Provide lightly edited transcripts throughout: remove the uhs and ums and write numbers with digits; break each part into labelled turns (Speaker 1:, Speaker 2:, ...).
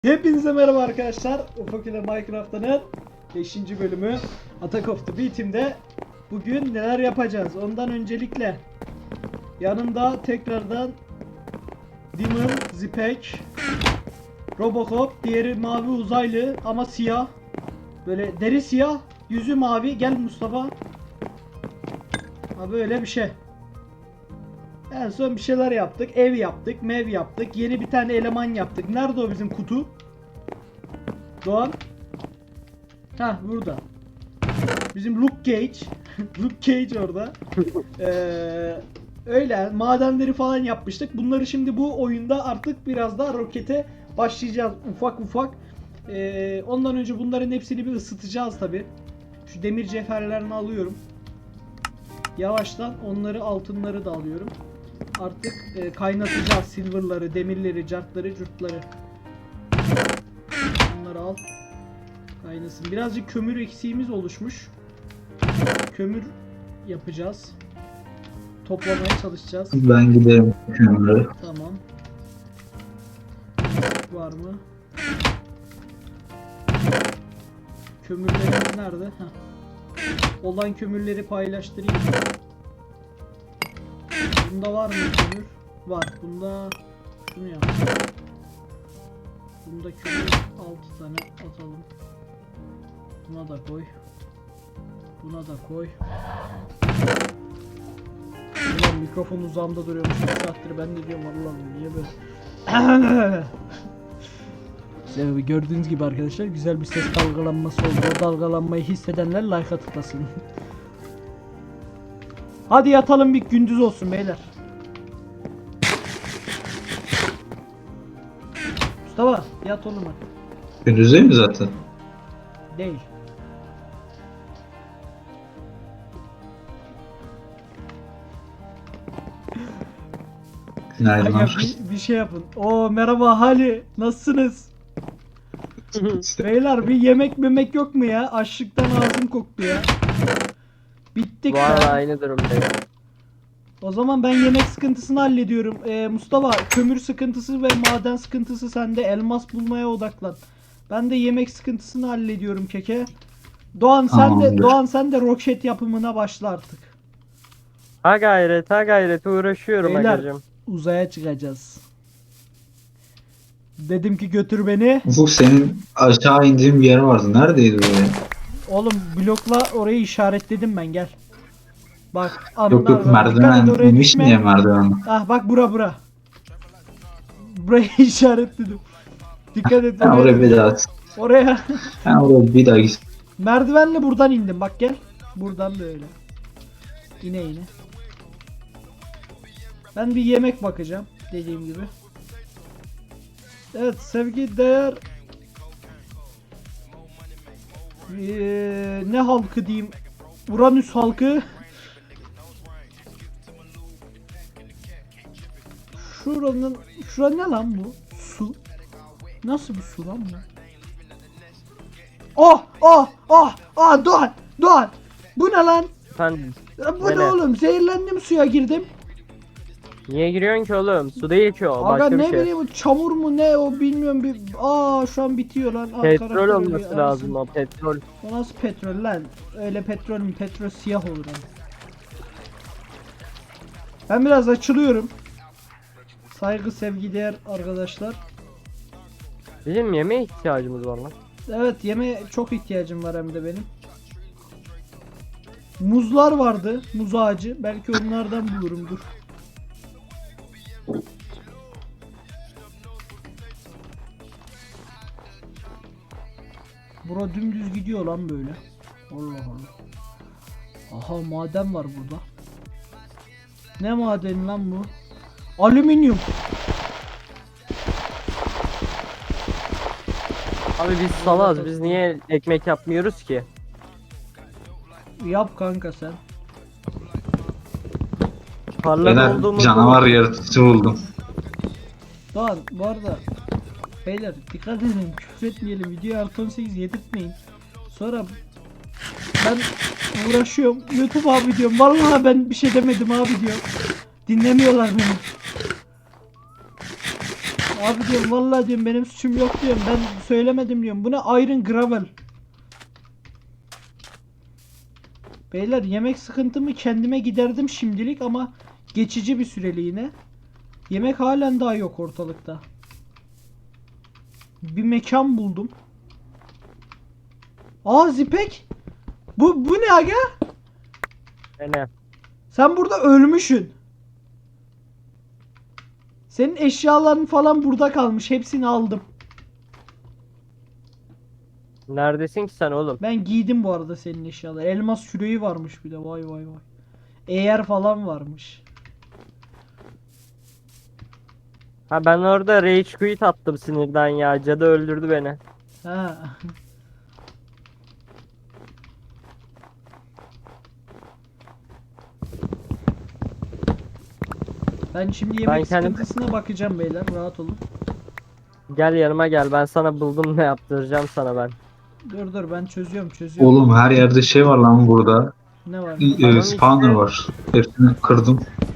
Speaker 1: Hepinize merhaba arkadaşlar. Ufak ile Minecraft'ın 5. bölümü Attack of the Beatim'de bugün neler yapacağız? Ondan öncelikle yanımda tekrardan Demon, Zipek, Robocop, diğeri mavi uzaylı ama siyah. Böyle deri siyah, yüzü mavi. Gel Mustafa. Ha böyle bir şey. En son bir şeyler yaptık. Ev yaptık, mev yaptık. Yeni bir tane eleman yaptık. Nerede o bizim kutu? Doğan. Ha burada. Bizim Luke Cage. Luke Cage orada. Öyle madenleri falan yapmıştık. Bunları şimdi bu oyunda artık biraz daha rokete başlayacağız ufak ufak. Ondan önce bunların hepsini bir ısıtacağız tabi. Şu demir cevherlerini alıyorum. Yavaştan onları, altınları da alıyorum. Artık kaynatacağız silverları, demirleri, cartları, curtları. Bunları al. Kaynasın. Birazcık kömür eksiğimiz oluşmuş. Kömür yapacağız. Toplamaya çalışacağız.
Speaker 2: Ben giderim kömürü.
Speaker 1: Tamam. Var mı? Kömürlerimiz nerede? Heh. Olan kömürleri paylaştırayım. Bunda var mı kömür? Var. Bunda şunu yap. Bunda kömür 6 tane atalım. Buna da koy. Buna da koy. Ulan mikrofon uzağımda duruyormuş. Bir saattir ben de diyorum Allah'ım niye böyle. Gördüğünüz gibi arkadaşlar güzel bir ses dalgalanması oldu. O dalgalanmayı hissedenler like'a tıklasın. Hadi yatalım, bir gündüz olsun beyler. Mustafa yat oğlum hadi.
Speaker 2: Gündüz değil mi zaten?
Speaker 1: Değil.
Speaker 2: Günaydın.
Speaker 1: Aga, bir şey yapın. Oo merhaba Hali, nasılsınız? Beyler bir yemek memek yok mu ya? Açlıktan ağzım koktu ya. Bittik
Speaker 3: Vallahi
Speaker 1: ya.
Speaker 3: aynı durumdayım.
Speaker 1: O zaman ben yemek sıkıntısını hallediyorum. Mustafa kömür sıkıntısı ve maden sıkıntısı sende. Elmas bulmaya odaklan. Ben de yemek sıkıntısını hallediyorum keke. Doğan sen de roket yapımına başla artık.
Speaker 3: Ha gayret uğraşıyorum
Speaker 1: Beyler
Speaker 3: agacım.
Speaker 1: uzaya çıkacağız. Dedim ki götür beni.
Speaker 2: Ufuk senin aşağı indiğin bir yer vardı. Neredeydi o ya?
Speaker 1: Oğlum blokla orayı işaretledim ben, gel. Bak
Speaker 2: Yok yok, merdiven inmiş mi ya merdiven?
Speaker 1: Ah bak bura. Burayı işaretledim. Dikkat et
Speaker 2: Ben oraya bir daha
Speaker 1: oraya.
Speaker 2: ben oraya bir daha git.
Speaker 1: Merdivenle buradan indim, bak gel. Buradan böyle. İne. Ben bir yemek bakacağım dediğim gibi. Evet sevgi değer. Ne halkı diyeyim? Uranüs halkı. Şura ne lan bu? Su. Nasıl bir su lan bu? Doğan. Bu ne lan?
Speaker 3: Efendim,
Speaker 1: Bu ne oğlum? Zehirlendim, suya girdim.
Speaker 3: niye giriyorsun ki oğlum? Su değil ki o,
Speaker 1: Aga
Speaker 3: başka
Speaker 1: ne
Speaker 3: bir şey.
Speaker 1: bileyim, çamur mu ne o bilmiyorum bir. Şu an bitiyor lan.
Speaker 3: Petrol
Speaker 1: karakter
Speaker 3: olması
Speaker 1: ölüyor,
Speaker 3: lazım o, petrol.
Speaker 1: O nasıl petrol lan? Öyle petrol mü? Petrol siyah olur hani. Ben biraz açılıyorum. Saygı sevgi değer arkadaşlar.
Speaker 3: Bizim yemeğe ihtiyacımız var lan.
Speaker 1: Evet, yemeğe çok ihtiyacım var hem de benim. Muzlar vardı. Muz ağacı. Belki onlardan bulurum, dur. Bura dümdüz gidiyor lan böyle. Allah Allah. Aha maden var burada. Ne madeni lan bu? Alüminyum.
Speaker 3: Abi biz salaz, biz niye ekmek yapmıyoruz ki?
Speaker 1: Yap kanka sen.
Speaker 3: Parlak
Speaker 2: Ben
Speaker 3: olduğumuz
Speaker 2: canavar yaratıcı buldum.
Speaker 1: Doğan bu arada beyler dikkat edin, küfür etmeyelim, videoyu artı 18 yedirtmeyin. Sonra ben uğraşıyorum, YouTube abi diyorum, vallahi ben bir şey demedim abi diyor. Dinlemiyorlar beni. Abi diyorum vallahi diyorum benim suçum yok diyorum. Ben söylemedim diyorum. Bu ne Iron Gravel. Beyler yemek sıkıntımı kendime giderdim şimdilik ama geçici bir süreliğine. Yemek halen daha yok ortalıkta. Bir mekan buldum. Aa Zipek. Bu ne aga?
Speaker 3: Ne?
Speaker 1: Sen burada ölmüşsün. Senin eşyaların falan burada kalmış. Hepsini aldım.
Speaker 3: Neredesin ki sen oğlum?
Speaker 1: Ben giydim bu arada senin eşyaları. Elmas küreği varmış bir de. Vay vay vay. Eğer falan varmış.
Speaker 3: Ha ben orada rage quit attım sinirden ya. Cadı öldürdü beni.
Speaker 1: Ha. Ben şimdi yemek
Speaker 3: kendim-
Speaker 1: sıkıntısına bakacağım beyler. Rahat olun.
Speaker 3: Gel yanıma gel. Ben sana buldum ne yaptıracağım sana ben.
Speaker 1: Dur ben çözüyorum.
Speaker 2: Oğlum her yerde şey var lan burada.
Speaker 1: Ne var?
Speaker 3: Tamam
Speaker 2: Spawner
Speaker 3: işte.
Speaker 2: var. Hepsini kırdım.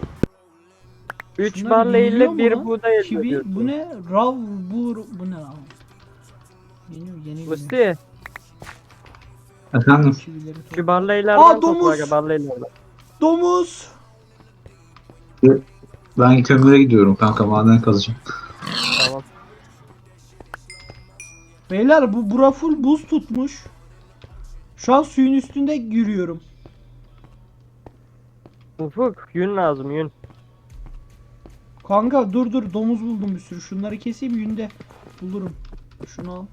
Speaker 3: 3
Speaker 1: Şunlar
Speaker 3: barla
Speaker 1: yeniliyor
Speaker 3: ile
Speaker 1: mu
Speaker 3: bir
Speaker 1: lan?
Speaker 3: buğday elde
Speaker 1: Kivi,
Speaker 3: ediyorsun.
Speaker 1: bu ne? Bu ne lan? Yeni
Speaker 3: Musti,
Speaker 2: Efendim?
Speaker 1: kivileri
Speaker 3: şu
Speaker 1: topla.
Speaker 3: barlaylardan
Speaker 1: Aa,
Speaker 3: topla
Speaker 1: domuz!
Speaker 3: aga barlaylardan.
Speaker 1: Domuz!
Speaker 2: Ben kömüre gidiyorum kanka, maden kazacağım.
Speaker 3: Tamam.
Speaker 1: Beyler bura full buz tutmuş. Şu an suyun üstünde yürüyorum.
Speaker 3: Ufuk yün lazım yün.
Speaker 1: Kanka dur domuz buldum bir sürü. Şunları keseyim yünde bulurum. Şunu al.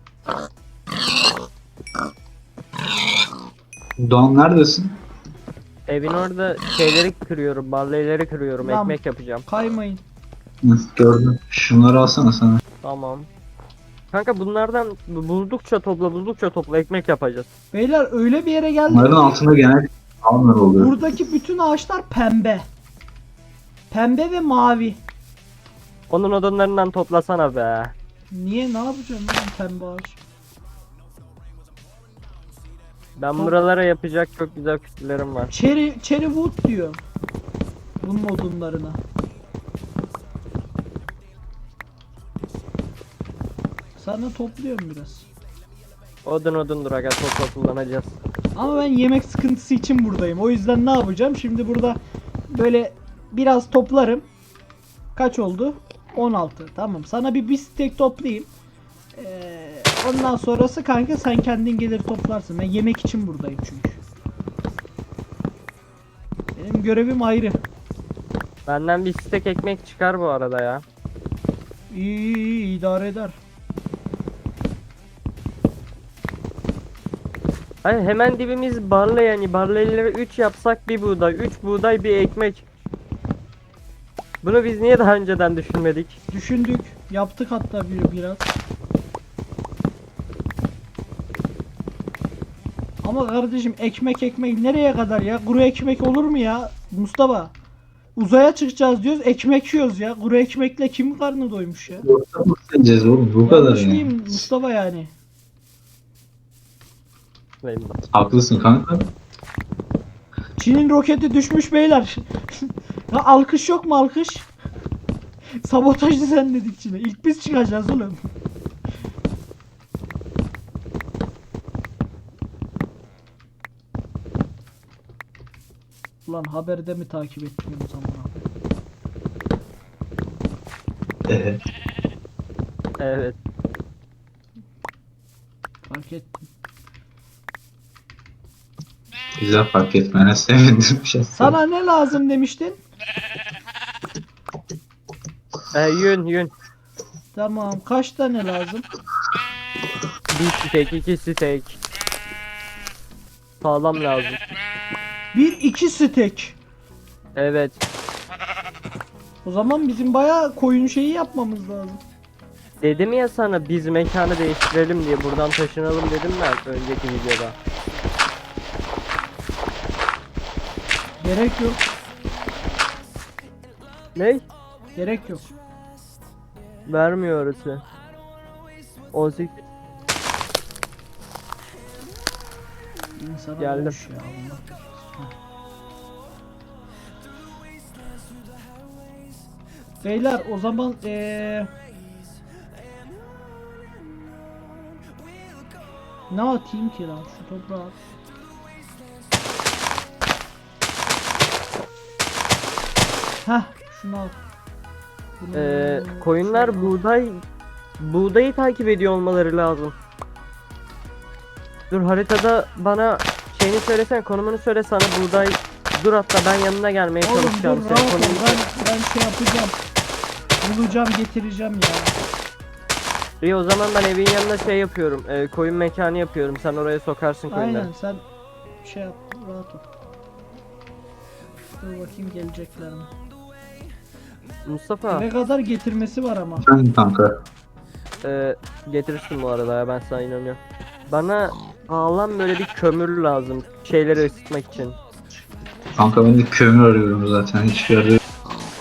Speaker 2: Doğan neredesin?
Speaker 3: Evin orada şeyleri kırıyorum, barlayları kırıyorum,
Speaker 1: Lan.
Speaker 3: ekmek yapacağım.
Speaker 1: Kaymayın.
Speaker 2: Hı, gördüm. Şunları alsana sana.
Speaker 3: Tamam. Kanka bunlardan buldukça topla ekmek yapacağız.
Speaker 1: Beyler öyle bir yere geldik
Speaker 2: Bunların
Speaker 1: ki
Speaker 2: altında genel spawner oluyor.
Speaker 1: buradaki bütün ağaçlar pembe. Pembe ve mavi.
Speaker 3: Onun odunlarından toplasana be.
Speaker 1: Niye ne yapacağım lan pembe ağaç?
Speaker 3: Ben buralara yapacak çok güzel kütülerim var.
Speaker 1: Cherry wood diyor. Bunun odunlarına. Sana topluyorum biraz.
Speaker 3: Odundur aga topla kullanacağız.
Speaker 1: Ama ben yemek sıkıntısı için buradayım. O yüzden ne yapacağım? Şimdi burada böyle biraz toplarım. Kaç oldu? 16. Tamam. Sana bir steak toplayayım. Ondan sonrası kanka sen kendin gelir toplarsın. Ben yemek için buradayım çünkü. Benim görevim ayrı.
Speaker 3: Benden bir stek ekmek çıkar bu arada ya.
Speaker 1: İyi idare eder.
Speaker 3: Hayır hemen dibimiz barla yani barlayları 3 yapsak bir buğday, 3 buğday bir ekmek. Bunu biz niye daha önceden düşünmedik?
Speaker 1: Düşündük. Yaptık hatta biraz. Ama kardeşim ekmek nereye kadar ya? Kuru ekmek olur mu ya? Mustafa. Uzaya çıkacağız diyoruz. Ekmek yiyoruz ya. Kuru ekmekle kim karnı doymuş ya?
Speaker 2: Yoksa mı sileceğiz oğlum? Bu kadar
Speaker 1: Yanlış
Speaker 2: yani.
Speaker 1: mıyım Mustafa yani?
Speaker 3: Benim bak.
Speaker 2: Haklısın kanka.
Speaker 1: Çin'in roketi düşmüş beyler. Ya alkış yok mu alkış? Sabotaj düzenledik Çin'e. İlk biz çıkacağız oğlum. Ulan haberde mi takip etmiyorum zaman abi?
Speaker 3: Evet.
Speaker 1: Fark ettim.
Speaker 2: Güzel, fark etmene sevindim.
Speaker 1: Sana ne lazım demiştin?
Speaker 3: Yün.
Speaker 1: Tamam. Kaç tane lazım?
Speaker 3: Bir stek, 2 stek. Sağlam lazım.
Speaker 1: 1-2 stek.
Speaker 3: Evet.
Speaker 1: O zaman bizim bayağı koyun şeyi yapmamız lazım.
Speaker 3: Dedim ya sana biz mekanı değiştirelim diye buradan taşınalım dedim ben önceki videoda.
Speaker 1: Gerek yok.
Speaker 3: Ne?
Speaker 1: Gerek yok.
Speaker 3: Vermiyor orası. 18.
Speaker 1: İnsana
Speaker 3: Geldim.
Speaker 1: boş ya, Allah korusun. Beyler o zaman Ne atayım ki lan şu toprağa? Heh şunu al.
Speaker 3: Koyunlar
Speaker 1: şunu al.
Speaker 3: buğdayı takip ediyor olmaları lazım. Dur haritada bana şeyini söylesen, konumunu söyle sana buğday. Dur hatta ben yanına gelmeye
Speaker 1: Oğlum dur
Speaker 3: çalışacağım.
Speaker 1: rahat
Speaker 3: Senin
Speaker 1: ol,
Speaker 3: konumunu
Speaker 1: ben şey yapacağım. Bulacağım getireceğim ya.
Speaker 3: İyi o zaman ben evin yanına şey yapıyorum. Koyun mekanı yapıyorum. Sen oraya sokarsın koyunları.
Speaker 1: Aynen sen şey yap rahat ol. Dur bakayım gelecekler mi?
Speaker 3: Mustafa
Speaker 1: Ne kadar getirmesi var ama.
Speaker 2: Efendim kanka.
Speaker 3: getirirsin bu arada ya, ben sana inanıyorum. Bana sağlam böyle bir kömür lazım. Şeyleri ısıtmak için.
Speaker 2: Kanka ben de kömür arıyorum zaten. Hiçbir yerde yok.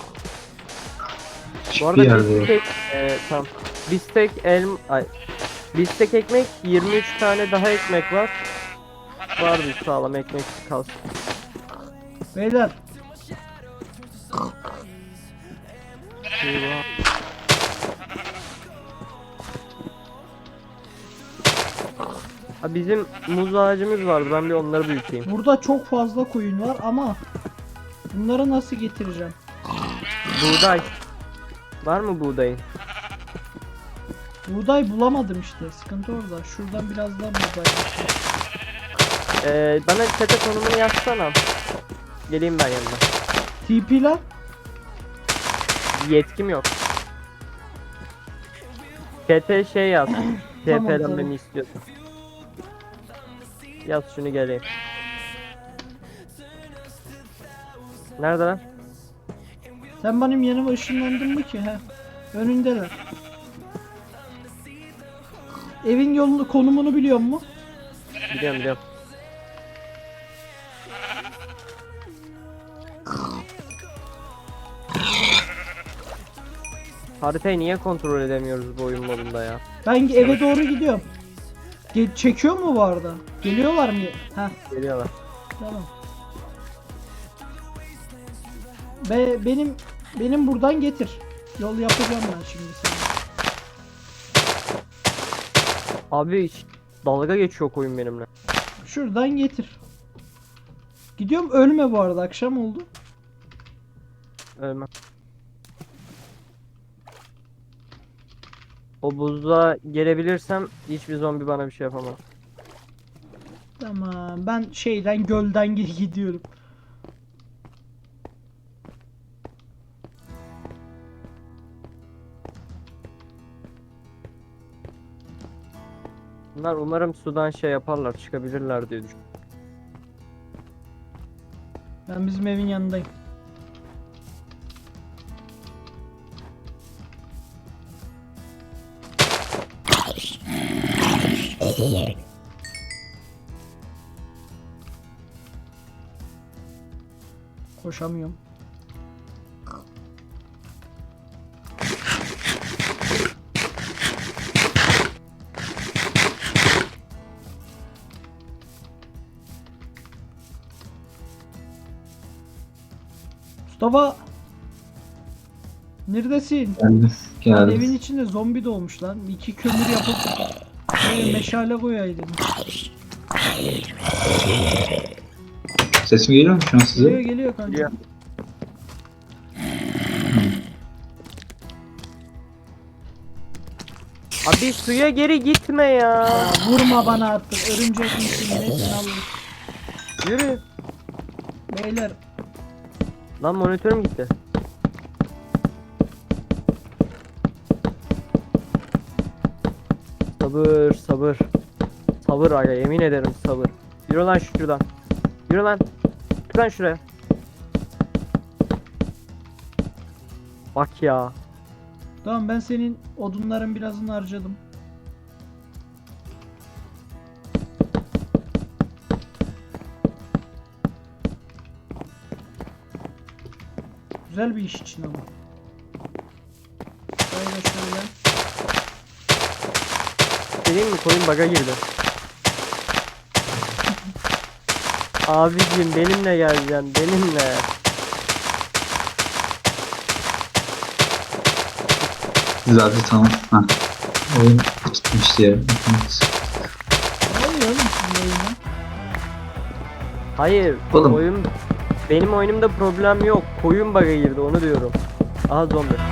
Speaker 3: Bu
Speaker 2: Hiçbir
Speaker 3: arada
Speaker 2: yerde yok.
Speaker 3: tamam. Bistek ekmek 23 tane daha ekmek var. Var bir sağlam ekmek kalsın.
Speaker 1: Beyler
Speaker 3: Eyvah. Ha, bizim muz ağacımız vardı. Ben bir onları büyüteyim.
Speaker 1: burada çok fazla koyun var ama bunları nasıl getireceğim?
Speaker 3: Buğday. Var mı buğdayın?
Speaker 1: Buğday bulamadım işte. Sıkıntı orada. Şuradan biraz daha buğday getir.
Speaker 3: Bana çete konumunu yazsana. Geleyim ben yanına.
Speaker 1: TP lan.
Speaker 3: Yetkim yok. Çete şey yaz.
Speaker 1: Tamam,
Speaker 3: TP'den
Speaker 1: tamam.
Speaker 3: beni istiyorsun. Yaz şunu geleyim. Nerede lan?
Speaker 1: Sen benim yanıma ışınlandın mı ki? He. Önündeler. Evin yolunu konumunu biliyor musun?
Speaker 3: Biliyorum biliyorum. Haritayı niye kontrol edemiyoruz bu oyun modunda ya?
Speaker 1: Ben eve doğru gidiyorum. Çekiyor mu bu arada? Geliyorlar mı? Heh.
Speaker 3: Geliyorlar.
Speaker 1: Tamam. Benim buradan getir. Yol yapacağım ben şimdi sana.
Speaker 3: Abi hiç dalga geçiyor oyun benimle.
Speaker 1: Şuradan getir. Gidiyorum ölme bu arada akşam oldu.
Speaker 3: Ölmem. O buzluğa gelebilirsem hiçbir zombi bana bir şey yapamaz.
Speaker 1: Tamam ben şeyden gölden gidiyorum.
Speaker 3: Bunlar umarım sudan şey yaparlar, çıkabilirler diye düşünüyorum.
Speaker 1: Ben bizim evin yanındayım. Koşamıyorum. Mustafa! Neredesin?
Speaker 2: Geldim.
Speaker 1: Lan
Speaker 2: Geldim.
Speaker 1: evin içinde zombi doğmuş lan. 2 kömür yapıp meşale koyaydın.
Speaker 2: Sesim geliyor mu şu an size?
Speaker 1: Geliyor kanka.
Speaker 3: Geliyor. Abi suya geri gitme ya.
Speaker 1: Ya vurma bana artık. Örümcek misin nesin Allah'ım.
Speaker 3: Yürü.
Speaker 1: Beyler
Speaker 3: Lan monitörüm gitti. Sabır sabır. Sabır aga, yemin ederim sabır. Yürü lan şuradan. Yürü lan. Çık lan şuraya. Bak ya.
Speaker 1: tamam ben senin odunların birazını harcadım. Güzel bir iş için ama. Şöyle şöyle.
Speaker 3: Geleyim mi, koyun baga girdi. Abicim benimle geleceksin, benimle.
Speaker 2: Zaten tamam. Ha. Oyun tutmuştu ya. Evet.
Speaker 1: oğlum sizin oyunda?
Speaker 3: Hayır.
Speaker 2: Oğlum.
Speaker 3: Benim oyunumda problem yok. Koyun bug'a girdi onu diyorum. Aha zombi.